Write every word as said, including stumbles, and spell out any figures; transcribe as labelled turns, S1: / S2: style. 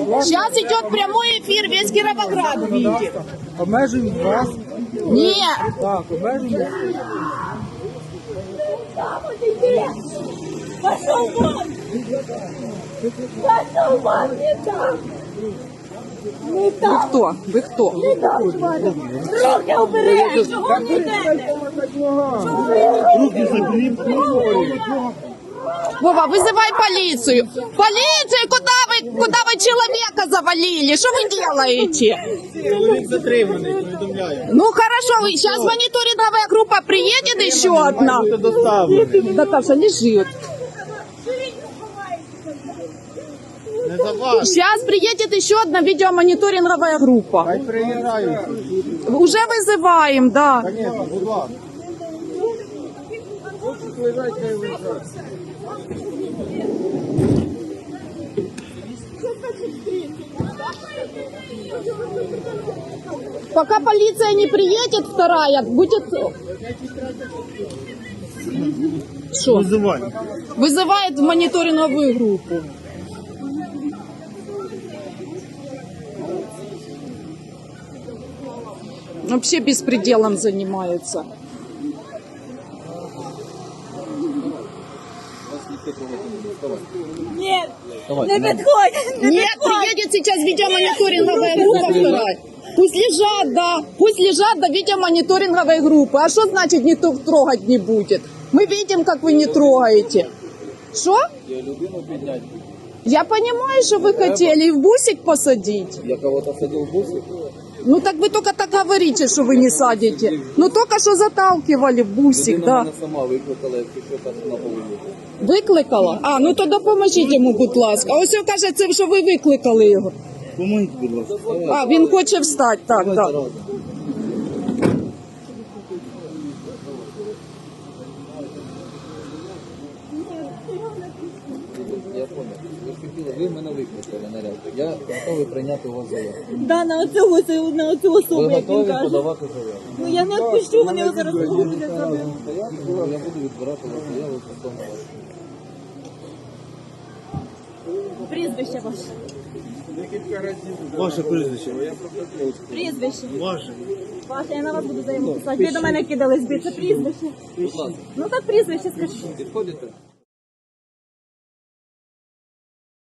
S1: Сейчас идет прямой эфир, весь Кировоград видит.
S2: Обмежуємо вас.
S1: Нет.
S2: Так, обмежуємо.
S3: Пошел вон! Пошел вон! Не так! Не так!
S1: Кто? Вы кто?
S3: Не так, чувак! Руки убери! Чого ви йдете?
S2: Руки заберіть.
S1: Вова, вызывай полицию. Полицию! Куда вы, куда вы человека завалили? Что вы делаете?
S2: Чоловік затриманий, повідомляю.
S1: Ну хорошо, сейчас мониторинговая группа приедет еще одна.
S2: Це доставлено.
S1: Наташа, лежит.
S2: Не за вас.
S1: Сейчас приедет еще одна видеомониторинговая группа.
S2: Хай приїжджають.
S1: Уже вызываем, да.
S2: Звісно, будь ласка. Виїжджайте, хай виїжджають.
S1: Пока полиция не приедет, вторая, будет... Что?
S2: Визивай.
S1: Вызывает мониторинговую группу. Вообще беспределом занимается.
S3: Нет! Не підходь! Не
S1: Нет, приедет сейчас видеомониторинговая группа вторая. Пусть лежат, да. Пусть лежат до видеомониторинговой группы. А что значит никто трогать не будет? Мы видим, как вы не трогаете. Что?
S4: Я людину підняти.
S1: Я понимаю, что вы хотели и в бусик посадить.
S4: Я кого-то садил в бусик.
S1: Ну так вы только так говорите, что вы не садите. Ну только что заталкивали в бусик,
S4: Людина
S1: да.
S4: мене сама викликала, якщо що так на повинні.
S1: Викликала? А, ну то допоможіть йому, будь ласка. А ось він каже, це що ви викликали його.
S2: Помогіть, будь ласка.
S1: А, він хоче встати, так, так.
S4: Разом. Я понял. Ви ж хотіли, ви мене викликали наряд. Я готовий прийняти у вас заяву.
S3: Да, на оцього, це- на оцю особу,
S4: Ви
S3: як він
S4: готові
S3: каже.
S4: подавати заяву?
S3: Ну я не відпущу, вони його зараз буде зробити.
S4: Я буду відбирати у вас заяву стосовно вас.
S3: Прізвище ваше.
S2: Ваше прізвище.
S3: Прізвище.
S2: Ваше.
S3: Ваше, я на вас буду заяву писати. Ви до мене кидались би, це прізвище.
S4: Будь ласка,
S3: Ну так прізвище скажіть.
S4: підходите?